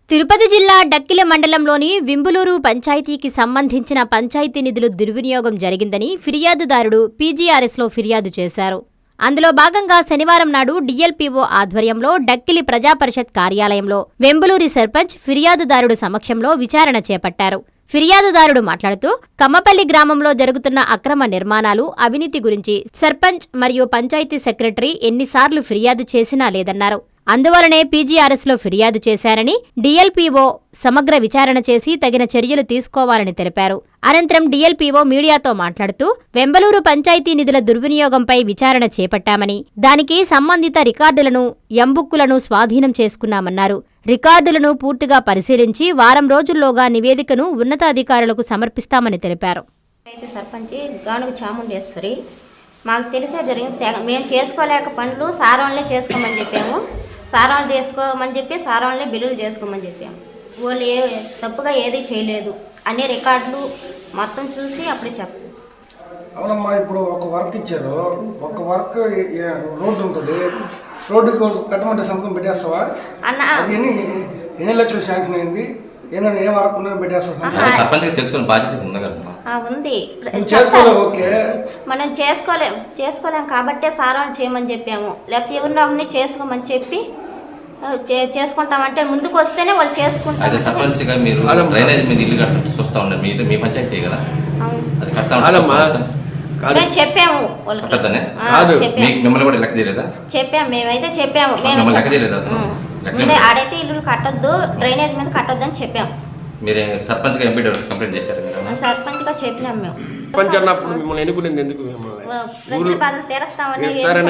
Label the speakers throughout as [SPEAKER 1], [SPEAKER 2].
[SPEAKER 1] తిరుపతి జిల్లా డక్కిల మండలంలోని వింబులూరు పంచాయతీకి సంబంధించిన పంచాయతీ నిధులు దుర్వినియోగం జరిగిందని ఫిర్యాదుదారుడు పీజీఆర్ఎస్లో ఫిర్యాదు చేశారు. అందులో భాగంగా శనివారం నాడు డీఎల్పీఓ ఆధ్వర్యంలో డక్కిలి ప్రజాపరిషత్ కార్యాలయంలో వెంబులూరి సర్పంచ్ ఫిర్యాదుదారుడు సమక్షంలో విచారణ చేపట్టారు. ఫిర్యాదుదారుడు మాట్లాడుతూ కమ్మపల్లి గ్రామంలో జరుగుతున్న అక్రమ నిర్మాణాలు, అవినీతి గురించి సర్పంచ్ మరియు పంచాయతీ సెక్రటరీ ఎన్నిసార్లు ఫిర్యాదు చేసినా లేదన్నారు. అందువలనే పీజీఆర్ఎస్లో ఫిర్యాదు చేశారని, డీఎల్పీఓ సమగ్ర విచారణ చేసి తగిన చర్యలు తీసుకోవాలని తెలిపారు. అనంతరం డీఎల్పీఓ మీడియాతో మాట్లాడుతూ వెంబలూరు పంచాయతీ నిధుల దుర్వినియోగంపై విచారణ చేపట్టామని, దానికి సంబంధిత రికార్డులను, ఎంబుక్కులను స్వాధీనం చేసుకున్నామన్నారు. రికార్డులను పూర్తిగా పరిశీలించి వారం రోజుల్లోగా నివేదికను ఉన్నతాధికారులకు సమర్పిస్తామని తెలిపారు.
[SPEAKER 2] సర్పంచ్ గానుగు చాముండేశ్వరి, మాకు తెలిసే జరిగింది. మేము చేసుకోలేక పనులు సారాలనే చేసుకోమని చెప్పాము. సారాలు చేసుకోమని చెప్పి సారాలనే బిల్లులు చేసుకోమని చెప్పాము. వాళ్ళు తప్పుగా ఏది చేయలేదు. అన్ని రికార్డులు మొత్తం చూసి అప్పుడు చెప్పారు.
[SPEAKER 3] అవునమ్మా, ఇప్పుడు ఒక వర్క్ ఇచ్చారు. ఒక వర్క్ రోడ్డు ఉంటుంది, రోడ్డుకి పెట్టమంటే సంతకం పెట్టేస్తావా
[SPEAKER 2] అన్న?
[SPEAKER 3] అది ఎన్ని లక్షలు శాంక్షన్ అయింది, ఏమన్నా ఏం వర్క్ ఉందని పెట్టేస్తా.
[SPEAKER 4] సర్పంచ్కి తెలుసుకునే బాధ్యత ఉంది కదా?
[SPEAKER 2] ఉంది.
[SPEAKER 3] ఓకే,
[SPEAKER 2] మనం చేసుకోలేం కాబట్టే సారాలు చేయమని చెప్పాము. లేకపోతే ఎవరినో ఒకరిని చేసుకోమని చెప్పి చేసుకుంటామంటే ముందుకు వస్తేనే వాళ్ళు చేసుకుంటారు.
[SPEAKER 4] అయితే సర్పంచ్గా మీరు డ్రైనేజ్ మీద ఇల్లు కట్ట చూస్తూ ఉన్నారు. మీ పంచాయతీ కదా, అది
[SPEAKER 2] మేము చెప్పాము.
[SPEAKER 4] మిమ్మల్ని కూడా లెక్క చేయలేదా?
[SPEAKER 2] చెప్పాము, మేమైతే చెప్పాము.
[SPEAKER 4] లెక్క చేయలేదా?
[SPEAKER 2] ఆడైతే ఇల్లు కట్టొద్దు, డ్రైనేజ్ మీద కట్టొద్దు అని చెప్పాము.
[SPEAKER 4] మీరు సర్పంచ్గా ఎంపీడీ కంప్లైంట్ చేశారు?
[SPEAKER 2] సర్పంచ్గా చెప్పినాం. మేము
[SPEAKER 5] సర్పంచ్ అన్నప్పుడు మిమ్మల్ని ఎన్నుకునేది ఎందుకు?
[SPEAKER 2] ప్రజల బాధలు తీరుస్తామని.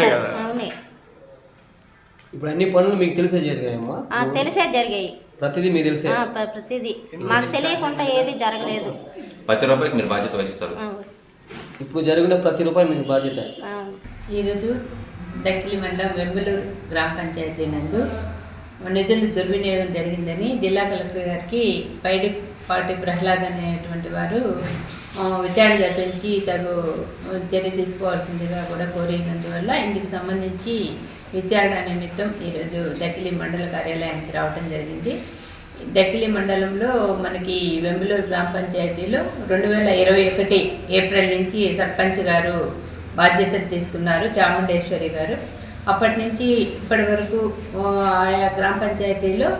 [SPEAKER 6] ఇప్పుడు అన్ని పనులు మీకు తెలిసే జరిగాయమ్మా?
[SPEAKER 2] తెలిసే జరిగాయి.
[SPEAKER 6] ప్రతిదీ మీకు తెలిసే?
[SPEAKER 2] ప్రతిదీ మాకు తెలియకుండా ఏది జరగలేదు.
[SPEAKER 4] ప్రతి రూపాయికి మీరు బాధ్యత వహిస్తారు.
[SPEAKER 6] ఇప్పుడు జరిగిన ప్రతి రూపాయి మీకు బాధ్యత.
[SPEAKER 7] ఈరోజు డక్కిలి మండలం వెంబలూరు గ్రామ పంచాయతీ నందు నిధులు దుర్వినియోగం జరిగిందని జిల్లా కలెక్టర్ గారికి పైడిపాటి ప్రహ్లాద్ అనేటువంటి వారు విచారణ జరిపించి తగు చర్య తీసుకోవాల్సిందిగా కూడా కోరినందువల్ల ఇందుకు సంబంధించి విచారణ నిమిత్తం ఈరోజు డక్కిలి మండల కార్యాలయానికి రావడం జరిగింది. డక్కిలి మండలంలో మనకి వెంబలూరు గ్రామ పంచాయతీలో 2021 ఏప్రిల్ నుంచి సర్పంచ్ గారు బాధ్యతలు తీసుకున్నారు, చాముండేశ్వరి గారు. అప్పటి నుంచి ఇప్పటి వరకు ఆయా గ్రామ పంచాయతీలో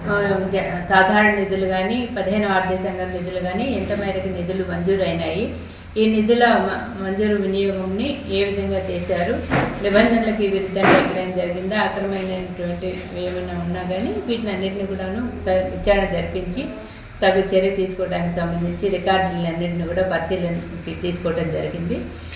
[SPEAKER 7] సాధారణ నిధులు కానీ 15 ఆర్థిక సంఘం నిధులు కానీ ఎంత మేరకు నిధులు మంజూరైనాయి, ఈ నిధుల మంజూరు వినియోగంని ఏ విధంగా చేశారు, నిబంధనలకు విరుద్ధంగా ఎక్కడైనా జరిగిందా, అక్రమైనటువంటి ఏమైనా ఉన్నా కానీ వీటిని అన్నింటినీ కూడాను విచారణ జరిపించి తగు చర్య తీసుకోవడానికి సంబంధించి రికార్డులన్నింటినీ కూడా పరిశీలనకి తీసుకోవడం జరిగింది.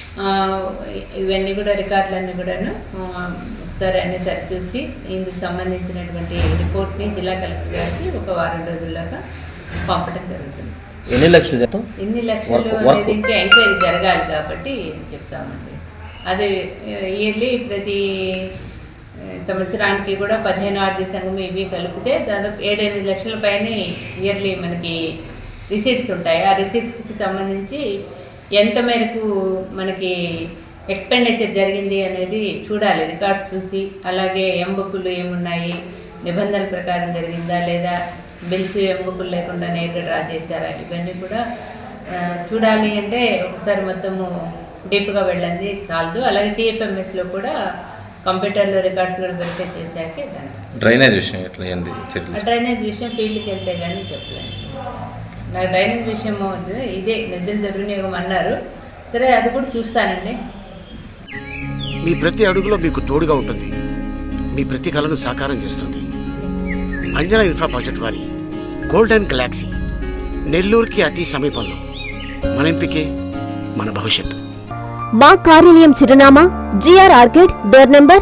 [SPEAKER 7] ఇవన్నీ కూడా రికార్డులన్నీ కూడాను ఒకసారి అన్ని సరిచూసి ఇందుకు సంబంధించినటువంటి రిపోర్ట్ని జిల్లా కలెక్టర్ గారికి ఒక వారం రోజుల్లోగా పంపడం జరుగుతుంది.
[SPEAKER 6] ఎన్ని లక్షలు జీతం?
[SPEAKER 7] ఎన్ని లక్షలు అనేది ఇంకా ఎంక్వైరీ జరగాలి కాబట్టి చెప్తామండి. అది ఇయర్లీ ప్రతి సంవత్సరానికి కూడా 15 ఆర్థిక సంఘం ఇవి కలిపితే దాదాపు 7-8 లక్షల పైన ఇయర్లీ మనకి రిసీట్స్ ఉంటాయి. ఆ రిసీట్స్కి సంబంధించి ఎంత మేరకు మనకి ఎక్స్పెండిచర్ జరిగింది అనేది చూడాలి, రికార్డ్ చూసి. అలాగే ఎంబుక్కులు ఏమున్నాయి, నిబంధనల ప్రకారం జరిగిందా లేదా, బిల్స్ ఎంబుక్కులు లేకుండా నేరుగా డ్రా చేశారా, ఇవన్నీ కూడా చూడాలి. అంటే ఒకసారి మొత్తము డీప్గా వెళ్ళండి చాలదు. అలాగే టీఎఫ్ఎంఎస్లో కూడా కంప్యూటర్లో రికార్డ్స్ కూడా వెరిఫై చేశాకే
[SPEAKER 4] డ్రైనేజ్ విషయం ఎట్లా?
[SPEAKER 7] డ్రైనేజ్ విషయం ఫీల్డ్కి వెళ్తే కానీ చెప్పలేను. నాకు డ్రైనేజ్ విషయం ఇదే నిధుల దుర్వినియోగం అన్నారు. సరే, అది కూడా చూస్తానండి.
[SPEAKER 8] మీ ప్రతి అడుగులో మీకు తోడుగా ఉంటుంది, మీ ప్రతి కళను సాకారం చేస్తుంది. అంజనా ఇన్ఫ్రా ప్రాజెక్ట్ వారి గోల్డెన్ గెలాక్సీ నెల్లూరుకి అతి సమీపంలో. మన ఎంపికే మన భవిష్యత్తు.
[SPEAKER 9] మా కార్యాలయం చిరునామా GR orchid, door number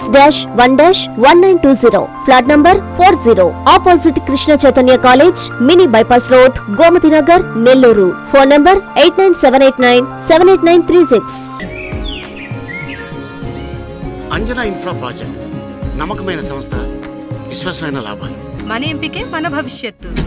[SPEAKER 9] 26-1-1920, flat number 40, opposite Krishna Chaitanya college, mini bypass road, Gomathi Nagar, Nellore. Phone number 8978978936.
[SPEAKER 8] Anjana infra project నమ్మకమైన సంస్థ, విశ్వాసమైన లాభాలు.
[SPEAKER 10] మన ఎంపికే మన భవిష్యత్తు.